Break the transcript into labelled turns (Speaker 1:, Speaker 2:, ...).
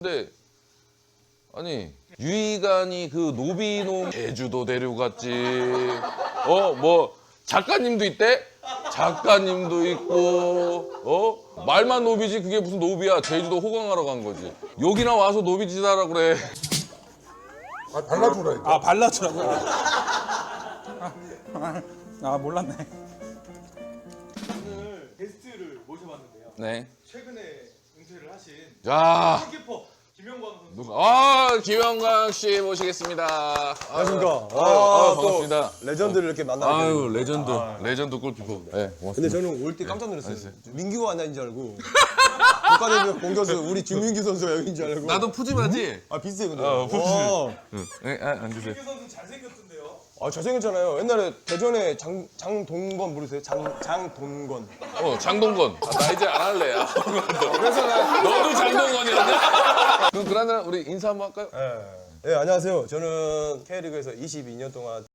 Speaker 1: 근데 아니 유희관이 그 노비농 제주도 데려갔지. 뭐 작가님도 있대? 작가님도 있고 말만 노비지 그게 무슨 노비야. 제주도 호강하러 간 거지. 여기나 와서 노비짓 하라 그래.
Speaker 2: 아, 발라주라.
Speaker 3: 아 발라주라고? 아 몰랐네.
Speaker 4: 오늘 게스트를 모셔봤는데요.
Speaker 1: 네.
Speaker 4: 최근에 은퇴를 하신
Speaker 1: 자,
Speaker 4: 골키퍼 김영광 선수.
Speaker 1: 김영광 씨 모시겠습니다.
Speaker 5: 안녕하십니까.
Speaker 1: 반갑습니다.
Speaker 5: 또 레전드를 이렇게 만나게
Speaker 1: 아유,
Speaker 5: 되네요.
Speaker 1: 레전드 골키퍼. 네, 고맙습니다.
Speaker 5: 근데 저는 올 때 깜짝 놀랐어요. 민규가 왔나인 줄 알고. 국가대표 공격수 우리 주민규 선수가 여기인 줄 알고.
Speaker 1: 나도 푸짐하지?
Speaker 5: 아 비슷해 근데.
Speaker 1: 푸짐해. 네, 앉으세요.
Speaker 4: 김민규 선수 잘생겼던데요.
Speaker 5: 아 잘생겼잖아요. 옛날에 대전에 장동건 모르세요? 장동건.
Speaker 1: 장동건. 나 이제 안 할래. 그래서 너도 장동건이었냐? 그럼 그러나 우리 인사 한번 할까요?
Speaker 5: 네, 안녕하세요. 저는 K리그에서 22년 동안